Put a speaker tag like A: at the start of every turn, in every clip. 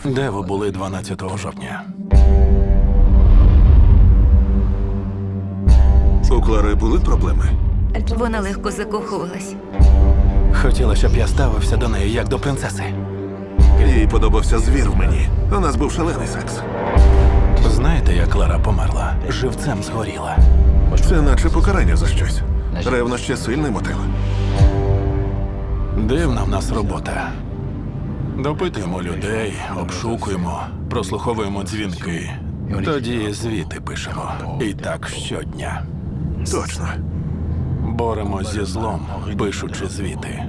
A: Де ви були 12 жовтня?
B: У Клари були проблеми?
C: Вона легко закохувалась.
A: Хотіла, щоб я ставився до неї як до принцеси.
B: Їй подобався звір в мені. У нас був шалений секс.
A: Знаєте, як Клара померла? Живцем згоріла.
B: Це наче покарання за щось. Ревнощі – сильний мотив.
A: Дивна в нас робота. Допитуємо людей, обшукуємо, прослуховуємо дзвінки. Тоді звіти пишемо. І так щодня.
B: Точно.
A: Боремось зі злом, пишучи звіти.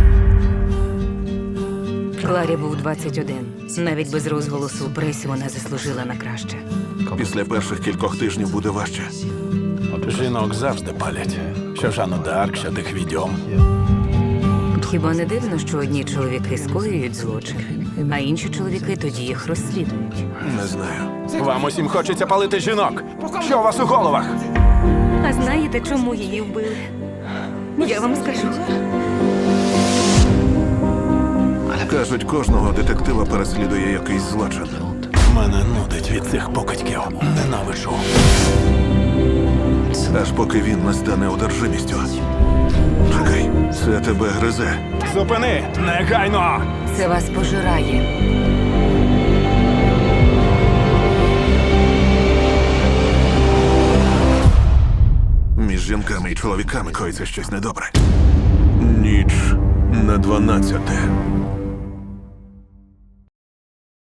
C: Кларі був 21. Навіть без розголосу у пресі вона заслужила на краще.
B: Після перших кількох тижнів буде важче.
A: Жінок завжди палять. Що Жанну д'Арк, що тих відьом.
C: Хіба не дивно, що одні чоловіки скоюють злочин, а інші чоловіки тоді їх розслідують?
B: Не знаю.
A: Вам усім хочеться палити жінок. Що у вас у головах?
C: А знаєте, чому її вбили? Я вам скажу.
B: Кажуть, кожного детектива переслідує якийсь злочин.
A: Мене нудить від цих покидьків. Ненавиджу.
B: Аж поки він не стане одержимістю. Чекай, це тебе гризе.
A: Зупини! Негайно!
C: Це вас пожирає.
B: Між жінками і чоловіками коїться щось недобре. Ніч на 12.